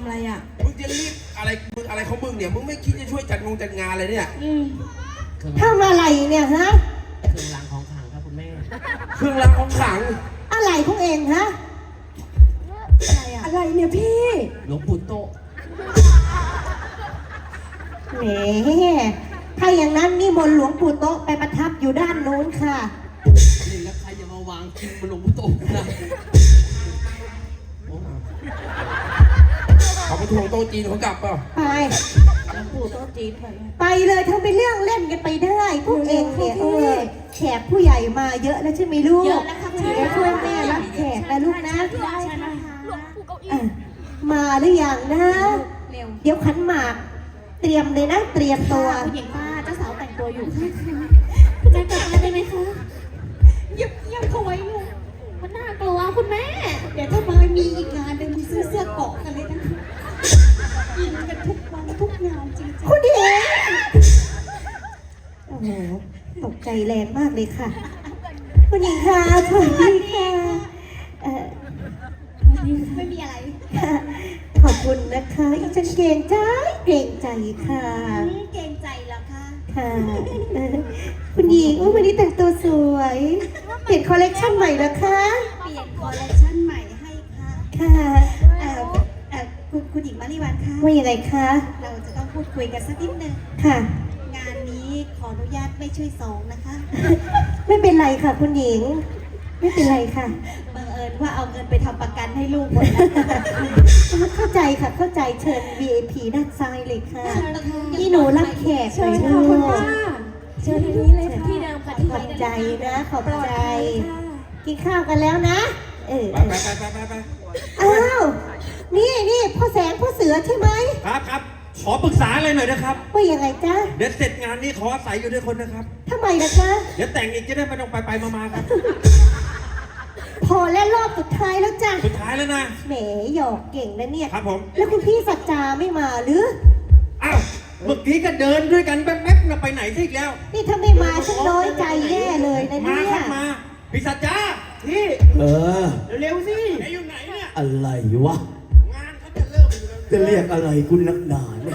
อะไรอ่ะมึงจะรีบอะไรมึงอะไรของมึงเนี่ยมึงไม่คิดจะช่วยจัดงานอะไรเนี่ยทำอะไรเนี่ยฮะเครื่องรางของขลังครับคุณแม่เครื่องรางของขลังอะไรของเองฮะอะไรเนี่ยพี่หลวงปู่โตแหมถ้าอย่างนั้นนี่มนต์หลวงปู่โตะไปประทับอยู่ด้านโน้นค่ะนี่แล้วใครจะมาวางกินบนหลวงปู่โตนะเขาไปทวงโต๊ะจีนเขากลับเปล่าไปหลวงปู่โต๊ะจีนไปเลยทำเป็นเรื่องเล่นกันไปได้พวกเองเนี่ยแขกผู้ใหญ่มาเยอะแล้วใช่ไหมลูกเยอะแล้วค่ะคุณแม่ช่วยแม่รับแขกนะลูกนะได้นะคะหลวงปู่เก้าอี้มาหรือยังนะเร็วเดี๋ยวขันหมากเตรียมเลยนะเตรียมตัวคุณหญิงป้าเจ้าสาวแต่งตัวอยู่ค่ะคุณแม่กลับมาได้ไหมคะเงียบเขาไว้ลูกมันน่ากลัวคุณแม่เดี๋ยวถ้ามามีอีกงานหนึ่งมีเสื้อเกาะกันเลยนะกินกันทุกวันทุกงานจริงๆคุณเอ๋โอ้โหตกใจแรงมากเลยค่ะคุณหญิงค่ะสวัสดีค่ะไม่มีอะไรขอบคุณนะคะอีฉันเกรงใจค่ะเกรงใจแล้วค่ะค่ะคุณหญิงวันนี้แต่งตัวสวยเปลี่ยนคอลเลคชันใหม่แล้วคะเปลี่ยนคอลเลคชันใหม่ให้ค่ะค่ะคุณหญิงมาริวันคะว่ายังไงคะเราจะต้องพูดคุยกันสักนิดนึงค่ะงานนี้ขออนุญาตไม่ช่วยสองนะคะไม่เป็นไรค่ะคุณหญิงไม่เป็นไรค่ะบังเอิญว่าเอาเงินไปทำประกันให้ลูกหมดแล้วเข้าใจค่ะเข้าใจเชิญ VIP ด้านซ้ายเลยค่ะที่หนูรับแขกเลยคุณป้าเชิญที่นี้เลยค่ะที่เดิมค่ะที่ขอบใจนะขอบใจกินข้าวกันแล้วนะไปอ้าวนี่พ่อแสงพ่อเสือใช่ไหมครับขอปรึกษาอะไรหน่อยนะครับว่ายังไงจ๊ะเดี๋ยวเสร็จงานนี้ขออาศัยอยู่ด้วยคนนะครับทำไมล่ะจ๊ะเดี๋ยวแต่งอีกจะได้ไม่ต้องไปมาครับพอแล้วรอบสุดท้ายแล้วจ้ะสุดท้ายแล้วนะแหมหยอกเก่งนะเนี่ยครับผมแล้วคุณพี่สัจจาไม่มาหรืออ้าวเมื่อกี้ก็เดินด้วยกันแป๊บๆนะไปไหนซะอีกแล้วนี่ถ้าไม่มาฉันน้อยใจแย่เลยนะเนี่ยมาครับมาพี่สัจจาที่เร็วสิไอ้อยู่ไหนเนี่ยอะไรวะงานเขาจะเริ่มอยู่แล้วจะเรียกอะไรคุณนักหนาเนี่ย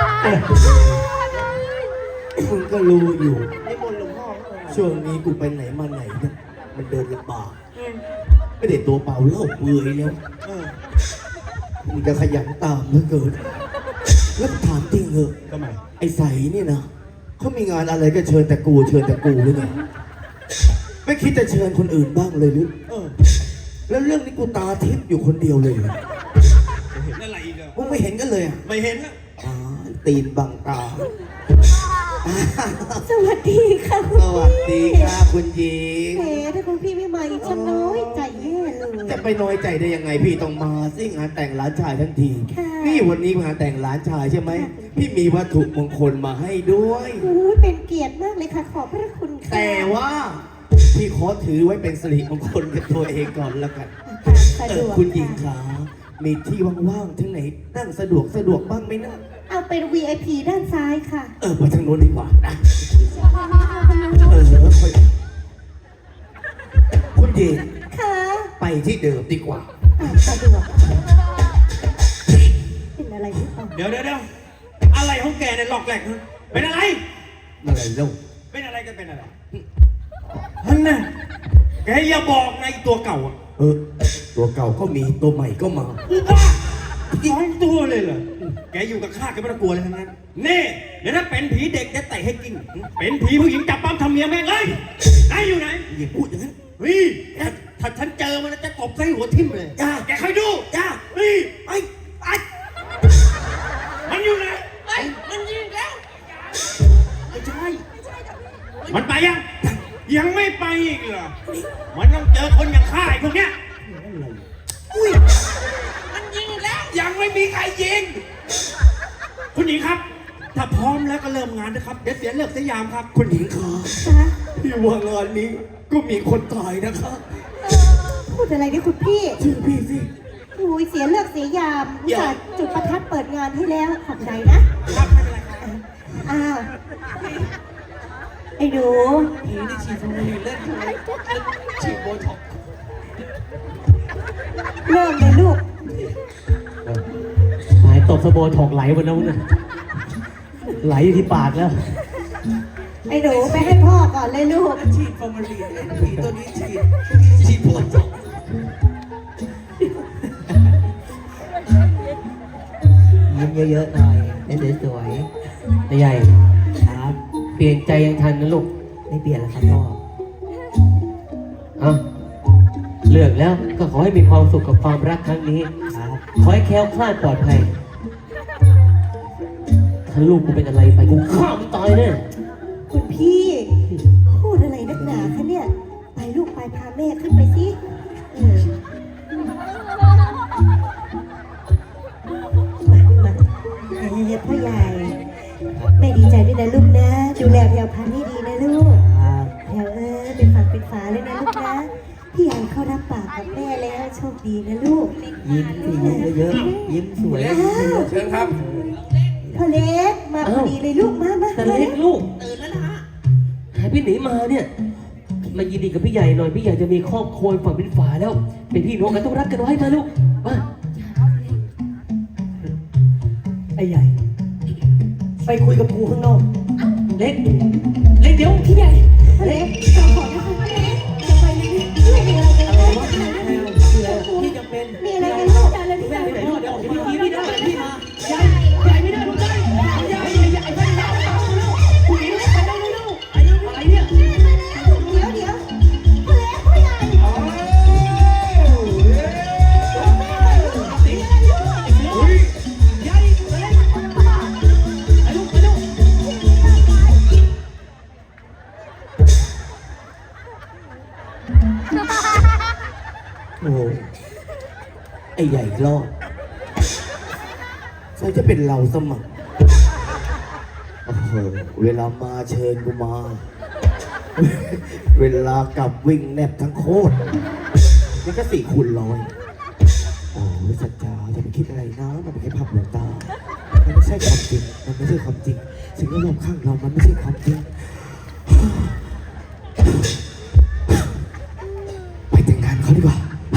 คุณก็รู้อยู่ช่วงนี้กูไปไหนมาไหนเนี่ยมันเดินลำบากไม่ได้ตัวเปล่าเล่าเปลือยแล้วมึงจะขยันตามเหลือเกินแล้วถามจริงเหอะทำไมไอ้ใสนี่นะเขามีงานอะไรก็เชิญแต่กูหรือไงไม่คิดจะเชิญคนอื่นบ้างเลยหรือแล้วเรื่องนี้กูตาทิพย์อยู่คนเดียวเลยเห็นอะไรอีกอ่ะมึงไม่เห็นกันเลยอ่ะไม่เห็นนะตีนบังตาสวัสดีค่ะสวัสดีค่ะคุณหญิงถ้าคุณพี่ไม่มาอีกฉันน้อยใจแย่เลยจะไปน้อยใจได้ยังไงพี่ต้องมาสิงานแต่งหลานชายทั้งทีนี่วันนี้งานแต่งหลานชายใช่ไหมพี่มีวัตถุมงคลมาให้ด้วยเป็นเกียรติมากเลยค่ะขอบพระคุณค่ะแต่ว่าพี่ขอถือไว้เป็นสิริมงคลกับตัวเองก่อนแล้วกันคุณหญิงขามีที่ว่างๆที่ไหนนั่งสะดวกบ้างไหมนะเอาเป็น VIP ด้านซ้ายค่ะไปทางโน้นดีกว่านะคุณหญิงค่ะไปที่เดิมดีกว่าสะดวกเป็นอะไรหรือเปล่าเดี๋ยวอะไรของแกเนี่ยหลอกแหลกเป็นอะไรเล่าเป็นอะไรกันเป็นอะไรฮันน่ะแกอย่าบอกในตัวเก่าอ่ะตัวเก่าก็มีตัวใหม่ก็มาอีกตัวเลยเหรอแกอยู่กับข้าแกไม่ต้องกลัวเลยทั้งนั้นนี่เดี๋ยวถ้าเป็นผีเด็กจะเตะให้กินเป็นผีผู้หญิงจับปั้มทำเมียแม่งเลยไหนอยู่ไหนอย่าพูดอย่างนั้นถ้าฉันเจอมันจะตบใส่หัวทิ่มเลยแกคอยดูไปมันอยู่ไหนมันยิงแล้วไม่ใช่มันไปยังไม่ไปอีกเหรอมันต้องเจอคนอย่างข้าไอ้พวกเนี้ยมันยิงแล้วยังไม่มีใครยิงคุณหญิงครับถ้าพร้อมแล้วก็เริ่มงานนะครับเดี๋ยวเสียเลิกเสียยามครับคุณหญิงคะพี่ว่างานนี้ก็มีคนตายนะคะพูดอะไรนี่คุณพี่ชื่อพี่สิโอ้ยเสียเลิกเสียยามจัดจุดประทัดเปิดงานให้แล้วขอบใจนะครับไม่เป็นไรครับไอ้หนูผีนี่ฉีดฟูมิเล่นฉีดโบท็อกเริ่มเลยลูกสโบถอกไหลวันนั้นนะไหลอยู่ที่ปากแล้วไอ้หนูไปให้พ่อก่อนเลยลูกฉีดฟอร์มาลีนผีตัวนี้ฉีดโบท็อกซ์ยิ้มเยอะๆหน่อยเล่นสวยๆนายใหญ่ครับ เปลี่ยนใจยังทันนะลูก ไม่เปลี่ยนแล้วครับพ่อเอาเลือกแล้วก็ขอให้มีความสุขกับความรักครั้งนี้ครับขอให้แคล้วคลาดปลอดภัย ถ้าลูกกูเป็นอะไรไปกูฆ่ามึงตายแน่คุณพี่พูดอะไรนักหนาคะเนี่ยไปลูกไปพาแม่ขึ้นไปสิมาพ่อใหญ่แม่ดีใจด้วยนะลูกนะดูแลแพรวพันธุ์ให้ดีนะลูกแพรวเป็นฝั่งเป็นฝาเลยนะลูกนะพี่ใหญ่เขารับปากกับแม่แล้วโชคดีนะลูกยิ้มสิยิ้มเยอะๆยิ้มสวยเชิญครับพ่อเล็กมาพอดีเลยลูกมาแต่เล็กลูกตื่นแล้วนะฮะหายไปไหนมาเนี่ย มายินดีกับพี่ใหญ่หน่อยพี่ใหญ่จะมีครอบครัวฝั่งเป็นฝาแล้ว เป็นพี่น้องกันต้องรักกันไว้มาลูกมาไอ้ใหญ่ ไปคุยกับกูข้างนอกเล็กเดี๋ยวพี่ใหญ่พ่อเล็กขอนะคะพ่อเล็กจะไปไหนไม่มีอะไรกันเลยพี่จะเป็นมีอะไรกันลูกแม่ไปไหนลูกเดี๋ยวออกไปพี่ได้พี่มาใหญ่ไม่ได้ลูกได้ใหญ่ไปไหนลูกผู้หญิงไปได้ลูกอะไรเนี่ยเดี๋ยวพ่อเล็กพ่อใหญ่โอ้โหไอ้ใหญ่รอดใช่จะเป็นเราสมัครโอ้โหเวลามาเชิญกูมา เวลากลับวิ่งแนบทั้งโคตรนี่ก็4 คูณ 100โอ้ยสัจจาอย่าไปคิดอะไรนะมันเป็นแค่ภาพลวงตา มันไม่ใช่ความจริง มันไม่ใช่ความจริง สิ่งที่รอบข้างเรา มันไม่ใช่ความจริง ไปแต่งงานเขาดีกว่า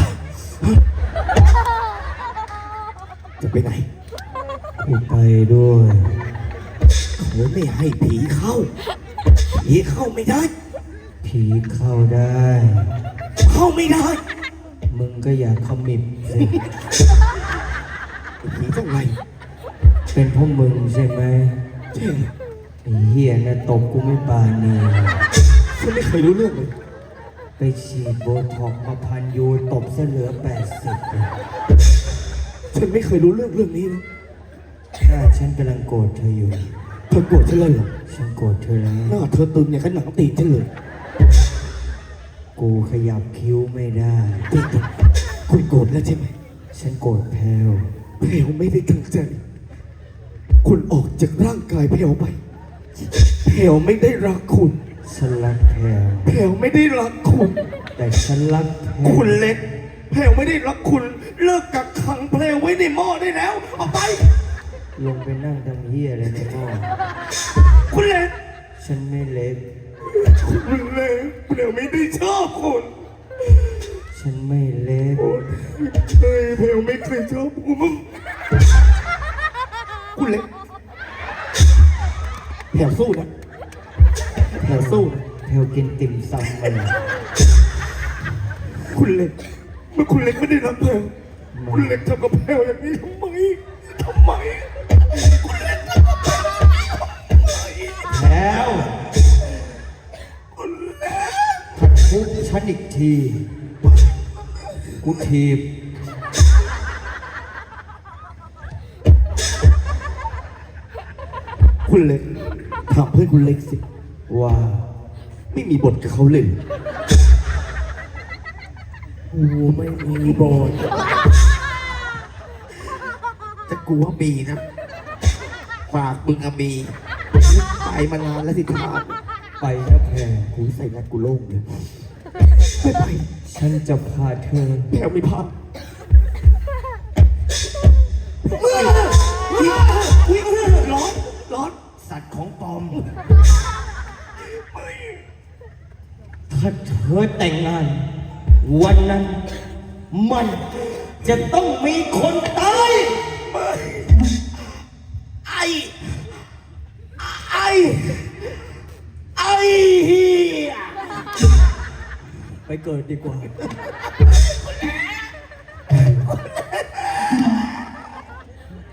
จะไปไหนไปด้วยเขาไม่ให้ผีเข้า ผีเข้าไม่ได้ผีเข้าได้เข้าไม่ได้มึงก็อยากขมิบสิผีต้องไรเป็นพวกมึงใช่ไหมใช่ไอ้เหี้ยนะตบกูไม่ปานีฉันไม่เคยรู้เรื่องเลยไปฉีดโบท็อกซ์มาพันยูตบซะเหลือ80เลยฉันไม่เคยรู้เรื่องนี้นะถ้าฉันกำลังโกรธเธออยู่เธอโกรธฉันเลยเหรอฉันโกรธเธอแล้วหน้าเธอตึงอย่างกับหนังตีนฉันเลยกูขยับคิ้วไม่ได้จริงๆคุณโกรธแล้วใช่ไหมฉันโกรธแพลวเพลวไม่ได้ตั้งใจ คุณออกจากร่างกายเพลวไป เพลวไม่ได้รักคุณฉันรักแพลวเพลวไม่ได้รักคุณแต่ฉันรักแพลวคุณเล็ก เพลวไม่ได้รักคุณ เลิกกักขังเพลวไว้ในหม้อได้แล้วออกไปลงไปนั่งทำเหี้ยอะไรในหม้อคุณเล็กฉันไม่เล็กคุณเล็กเพลวไม่ได้ชอบคุณฉันไม่เล็กเฮ้ยเพลวไม่เคยชอบคุณคุณเล็กแถวสู้นะแถวสู้นะแพลวกินติ่มซำมาคุณเล็กเมื่อคุณเล็กไม่ได้รักแพลวคุณเล็กทำกับแพลวอย่างนี้ทำไมคุณเล็กทำกับแพลวแพลวคุณเล็กถ้าทุบฉันอีกที กูถีบคุณเล็กถามเพื่อนคุณเล็กสิว่าไม่มีบทกับเขาเลยโอ้ไม่มีบทแต่กูว่ามีนะฝากมึงอะมีไปมานานแล้วสิทานไปนะแพลวกูใส่นัดกูโล่งเลยไม่ไปฉันจะพาเธอแถวไม่พักร้อนสัตว์ของปลอม ถ้าเธอแต่งงาน วันนั้น มันจะต้องมีคนตายไอ้เหี้ยไปเกิดดีกว่า